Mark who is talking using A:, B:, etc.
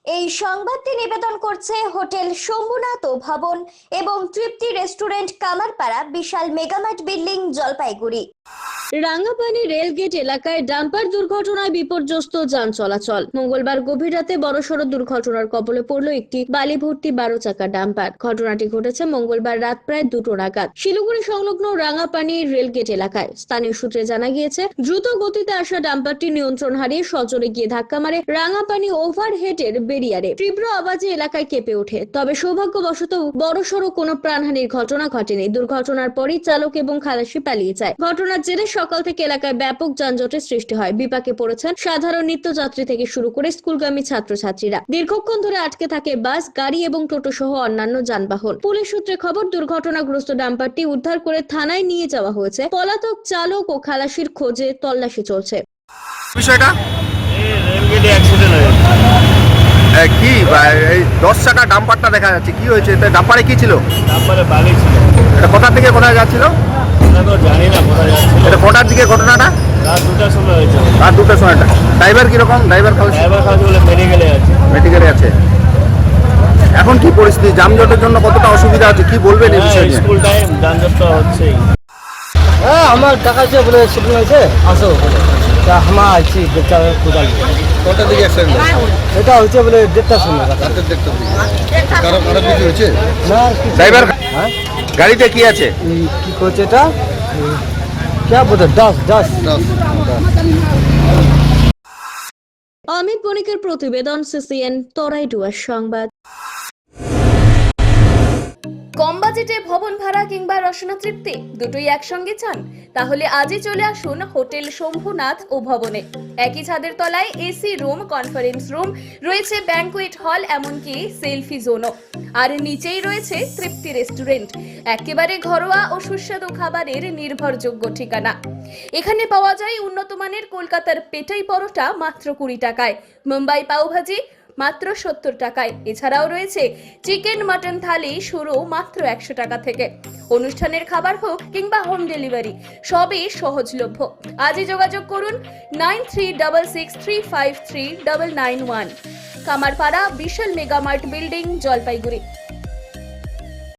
A: এই সংবাদটি নিবেদন করছে হোটেল শম্ভুনাথ ভবন এবং Tripti restaurant Kamarpara Bishal Megamart building Jalpaiguri.
B: Rangapani rail gate এলাকায় ডাম্পার দুর্ঘটনায় বিপর্যস্ত যান চলাচল। মঙ্গলবার গভীর রাতে বড়সড় দুর্ঘটনার কবলে পড়ল একটি বালি ভর্তি 12 চাকা ডাম্পার। ঘটনাটি ঘটেছে মঙ্গলবার রাত প্রায় 2টো নাগাদ শিলিগুড়ি সংলগ্ন রাঙ্গাপানি রেলগেট এলাকায়। স্থানীয় সূত্রে জানা গিয়েছে, দ্রুত গতিতে আসা ডাম্পারটি নিয়ন্ত্রণ হারিয়ে সজোরে গিয়ে ধাক্কা মারে রাঙ্গাপানি ওভারহেডের বেরিয়ারে। তীব্র আওয়াজে এলাকায় কেঁপে ওঠে। তবে সৌভাগ্যবশত বড়সড় কোনো প্রাণহানির ঘটনা ঘটেনি। দুর্ঘটনার পরই চালক এবং খালাসি পালিয়ে যায়। ঘটনার জেরে সকাল থেকে এলাকায় ব্যাপক যানজটের সৃষ্টি হয়। বিপাকে পড়েছেন সাধারণ নিত্যযাত্রী থেকে শুরু করে স্কুলগামী ছাত্রছাত্রীরা। দীর্ঘক্ষণ ধরে আটকে থাকে বাস, গাড়ি এবং টোটো সহ অন্যান্য যানবাহন। পুলিশ সূত্রে খবর, দুর্ঘটনাগ্রস্ত ডাম্পারটি উদ্ধার করে থানায় নিয়ে যাওয়া হয়েছে। পলাতক চালক ও খালাসির খোঁজে তল্লাশি চলছে।
C: বিষয়টা
D: রেলগেটে অ্যাক্সিডেন্ট হয়েছে।
C: কি এই 10 চাকা ডাম্পারটা দেখা যাচ্ছে, কি হয়েছে? ডাম্পারে কি ছিল?
D: ডাম্পারে বালি ছিল।
C: এটা কোথা থেকে কোথায় যাচ্ছিল?
D: আমরা তো জানি না কোথায় যাচ্ছিল।
C: এটা কটার দিকে ঘটনাটা?
D: রাত 2টার সময় হয়েছে।
C: রাত 2টার সময়টা। ড্রাইভার কিরকম? ড্রাইভার
D: বলে মেডিকেলে আছে।
C: মেডিকেলে আছে। এখন কি পরিস্থিতি? যানজটের জন্য কতটা অসুবিধা আছে, কি বলবেন এই বিষয়ে?
D: স্কুল টাইম, যানজট তো হচ্ছেই।
E: হ্যাঁ, আমার দেখাচ্ছে বলে শুটিং হয়েছে, আসো তা আমরা আছি দেখতে কোথায়।
C: কটার দিকে অ্যাক্সিডেন্ট?
E: এটা হচ্ছে বলে 1:30টার সময়।
C: রাতের 1:30টার দিকে। কারো কিছু হয়েছে
E: না কিছু-
C: ড্রাইভার?
E: হ্যাঁ,
C: গাড়িতে কি আছে?
E: কি করছে এটা কে বলতে 10
B: অমিত বণিকের প্রতিবেদন, সিসিএন তরাইডুয়ার সংবাদ।
F: কম বাজেটে ভবন ভাড়া কিংবা রসনা তৃপ্তি দুটোই একসঙ্গে চান? তাহলে আজই চলে আসুন হোটেল শম্ভুনাথ ও ভবনে। একই ছাদের তলায় এসি রুম, কনফারেন্স রুম, রয়েছে ব্যাংকুয়েট হল, এমনকি সেলফি জোনও। আর নিচেই রয়েছে তৃপ্তি রেস্টুরেন্ট, একেবারে ঘরোয়া ও সুস্বাদু খাবারের নির্ভরযোগ্য ঠিকানা। এখানে পাওয়া যায় উন্নত মানের কলকাতার পেটাই পরোটা মাত্র 20 টাকায়, মুম্বাই পাওভাজি মাত্র 70 টাকায়। এছাড়াও রয়েছে চিকেন মাটন থালি শুরু মাত্র 100 টাকা থেকে। অনুষ্ঠানের খাবার হোক কিংবা হোম ডেলিভারি, সবই সহজলভ্য। আজই যোগাযোগ করুন 9366353991, কামারপাড়া বিশাল মেগামার্ট বিল্ডিং, জলপাইগুড়ি।